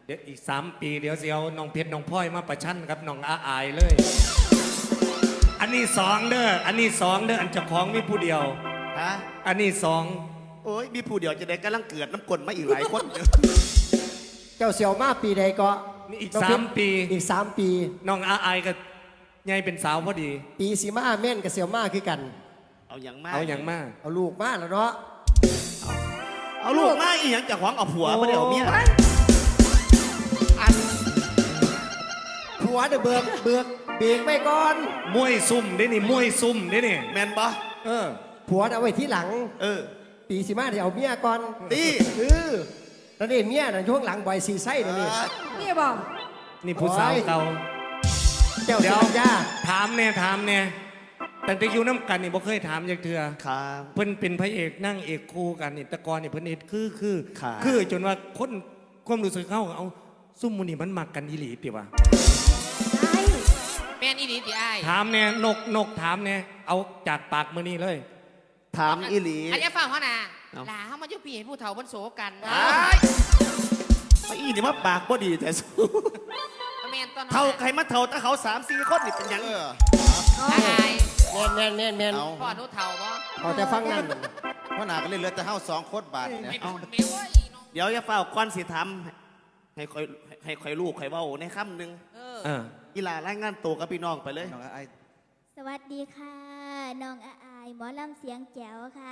เดี๋ยวอีก3 ปีเดี๋ยวเสียวน้องเพชรน้องพลอยมาประชันกับน้องอาอายเลยอันนี้2เด้ออันนี้2เด้ออันเจ้าของมีผู้เดียวฮะอันนี้โอ้ยมีผู้เดียวจะได้กำลังเกิดน้ำกลมาอีกหลายคนเจ้าเสี่ยวมาปีใดก็นี่อีกน้งเพชร 3 ปีอีก3 ปีน้องอาอายก็ใหญ่เป็นสาวพอดีปีสีมาเม่นกับเสี่ยวมาคือกันเอาอย่างมากเอาอย่างมากเอาลูกมาแล้วเนาะเอาลูกมาอีหยังจากของเอาผัวมาเดี๋ยวเมียอันผัวเดี๋ยวเบิกเบรกไปก่อนมวยซุ่มได้นี่มวยซุ่มได้นี่แมนปะผัวเอาไว้ที่หลัง ปีสีมาเดี๋ยวเอาเมียก่อนตีแล้วนี่เมียน่ะช่วงหลังบ่อยสีไส้เดี๋ยวนี้นี่บอกนี่ผู้สาวเก่าเจ้าเดี๋เสี่ยยว วย่าถามแน่แต่จะอยู่น้ำกันนี่บ่เคยถามจากเธอครับเพิ่นเป็นพระเอกนั่งเอกคู่กันนี่แตะกอนนี่เพิ่นเอ็ดคือค่ะคือจนว่าคนความรู้สึกเขาเอาซุ่มมูนี่มันมักกันอีหลีติวะไอ้แม่นอีดีติอ้ายถามแน่นกถามแน่เอาจากปากมือนี่เลยถามอีหลีอันนี้ฟังเขานะเอ้าหลาเขามาอยู่ปีให้ผู้เฒ่าบนโศกันไอ้อีนี่มาปากบ่ดีแต่สู้แม่นตอนนั้นเท่าใครมาเท่าถ้าเขา3-4 คนนี่เป็นหยังอ้ายแม่นเอาพ่อหนูเฒ่าบ่เอาแต่ฟังนั่นพ่อหนาก็เลยเหลือแต่เฮา2 คนบาทไม่เนี่ยเป็นเมวะเดี๋ยวอย่าเฝ้าก้อนสิทำให้คอยลูกคอยเว้าในค่ำหนึ่งเอออีหลารายงานตัวกับพี่น้องไปเลยน้องไอ้สวัสดีค่ะ น้องอาอายหมอลำเสียงแจ๋วค่ะ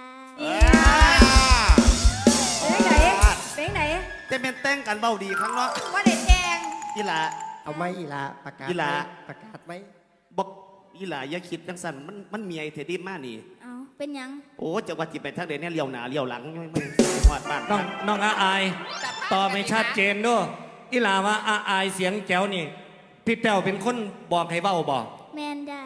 เป็นไหนเป็นไหนจะเป็นแต่งกันเบาดีครั้งเนาะว่าเด็ดแจงอีหลาเอาไหมอีหลาประกาศอีหลาไหมประกาศไหมบอกอีหลาอย่าคิดจังสันมันเมียเทดีมากนี่เอาเป็นหยังโอ้จะว่าจิไปทางเดนเนี่ยเลี้ยวหนาเลี้ยวหลังไม่หอดบ้านน้องอาอายตอบไม่ชัดเจนด้วยอีหลาว่าอาอายเสียงแจ๋วนี่พี่แป้วเป็นคนบอกให้เว้าบอกแมนจ้า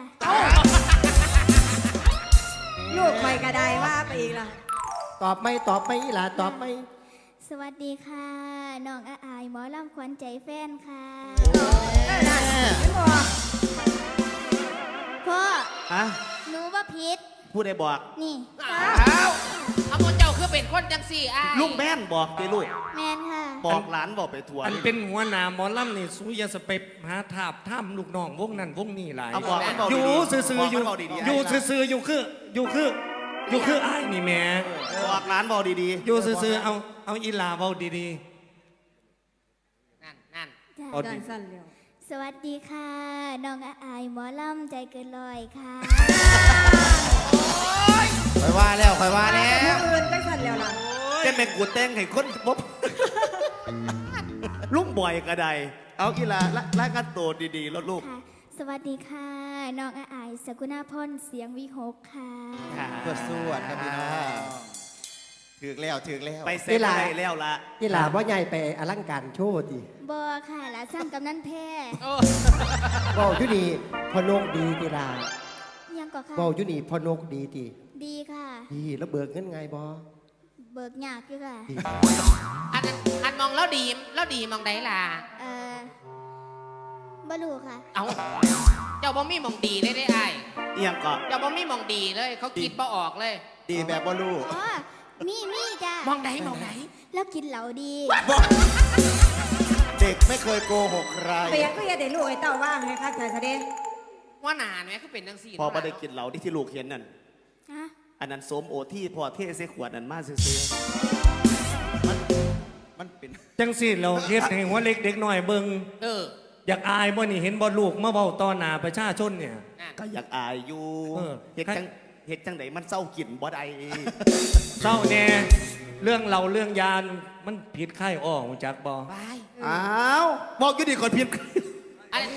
ลูกไม่กระไดว่าไปอีกละตอบไหมอีหลาตอบไหมสวัสดีค่ะ น้องอาอายหมอลำขวัญใจแฟนค่ะนั่นไม่บอกพ่อฮะหนูว่าพิษพูดได้บอกนี่เอาโมเจ้าคือเป็นคนจังสี่อ้ายลุงแม่นบอกตีลูกแมนค่ะบอกหลานบอกไปทัวร์อันเป็นหัวหน้าหมอลำนี่สู้อยาสเปปหาทาบท่ามลูกน้องวงนั้นวงนี้หลายเอาบอกมันบอกอยู่ดีๆซื่อๆอยู่บอกมันบอกดีๆอยู่ซื่อๆอยู่คืออ้ายนี่แหม่บอกหลานบอกดีอยู่ซื่อๆเอาอีหลาเว้าดีนั่นจ้าเอาดิดันสั้นเร็วสวัสดีค่ะ น้องอาอายหมอลำใจเกินร้อยค่ะคอยว่าแล้วคอยว่าว่าแล้แต่วผู้อื่นก็สั้นเร็วล่ะๆจะเป็นกูแต่งให้คนบ๊บ ลุงบ่อยก็ได้เอาอีหลารายงานตัวดีๆแล้วลูกค่ะ สวัสดีค่ะ น้องอาอายสกุณาพรเสียงวิหกค่ะเพื่อสู้ครับพี่น้องถือแล้วไปเซ็นอะไรแล้วล่ะอีหลาว่าใหญ่ไปอลังการโชว์ดิบอค่ะหลานสร้างกำนันแพ้เว้าอยู่นี่พอนกดีติลายังก็ค่ะเว้าอยู่นี่พอนกดีติดีค่ะดีแล้วเบิกเงินไงบอเบิกยากอยู่ค่ะอันมองแล้วดีมองได้ล่ะบลูค่ะเอาเจ้าบ่มีมองดีเลยได้อ้ายเอียงก็เจ้าบ่มีมองดีเลย เขาคิดบ่ออกเลยดีแบบบ่รู้อ๋อ มีจ้ามองไหนแล้วกินเหลาดีเด็กไม่เคยโกหกใครเปียกก็อย่าได้ลูกไอ้เต้าว่างให้ข้าใจเสด็จว่าหนาเนี่ยคือเป็นจังสี่พอประเด็กินเหล้าที่ลูกเห็นนั่นฮะอันนั้นโสมโอที่พอเทใส่ขวดนั่นมาซื้อมันเป็นๆจังสิเราเฮ็ดให้หัวเล็กเด็กน้อยเบิ่งเอออยากอายบ่นี่เห็นบ่ลูกมาเว้าต่อหน้าประชาชนเนี่ยนั่นๆก็อยากอายอยู่เออเฮ็ดจังไหนมันเศร้ากินบ่ได้เศร้าแน่เรื่องเราเรื่องยานมันผิดไข้อ้อหูจักบ่บายอ้าวบอกอยู่ดีก่อนเพียงอัน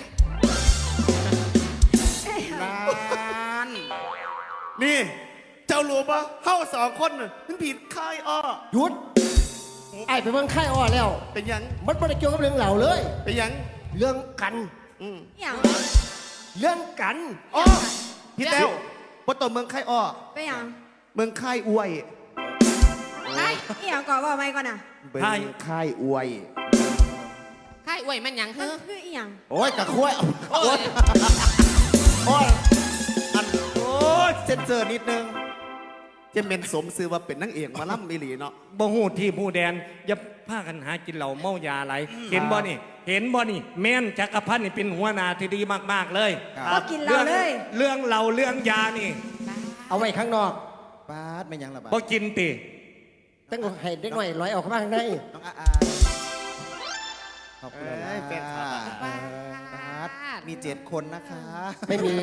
นานนี่ เจ้ารู้ปะเฮา2 คนน่ะมันผิดค่ายอ้อหยุดไอ้ไปเบิ่งไข่อ้อแล้วเป็นหยังมันไม่ได้เกี่ยวกับเรื่องเหล่าเลยเป็นหยังเรื่องกันอืมอย่างเรื่องกันอ้อพี่แต้วบ่ต้องเมืองค่ายอ้อไปอย่างเมืองค่ายอวยไอ้อย่างก่อนว่าไม่ก่อนน่ะเมืองค่ายอวยค่ายอวยมันหยังมันคือคืออีหยังโอ้ยกะคุ้ยโอ้ยโอ้ยอันโอ้ยเซ็นเซอร์นิดนึงจะเป็นสมซื้อว่าเป็นนางเอกหมาล่ำมิลีเนาะบ่ฮู้ที่ผู้แดนอย่าพากันหากินเหล้าเมายาไหลเห็นบ่นี่ เห็นบ่นี่ แม่นจักรพันธ์นี่เป็นหัวหน้าที่ดีมากๆเลยก็กินเหล้าเลยเรื่องเหล้าเรื่องยานี่เอาไว้ข้างนอกปาดไม่ยังละบาดบ่กินติตั้งให้เด็กหน่อยร้อยออกมาข้างในน้องอายขอบคุณเอ้ยแฟนคลับปาดมี7 คนนะคะไม่มี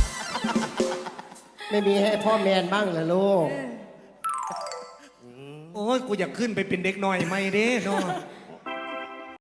ไม่มีให้พ่อแมนบ้างเหรอลูกโอ้ยกูอยากขึ้นไปเป็นเด็กน้อยไม่เด้เนาะ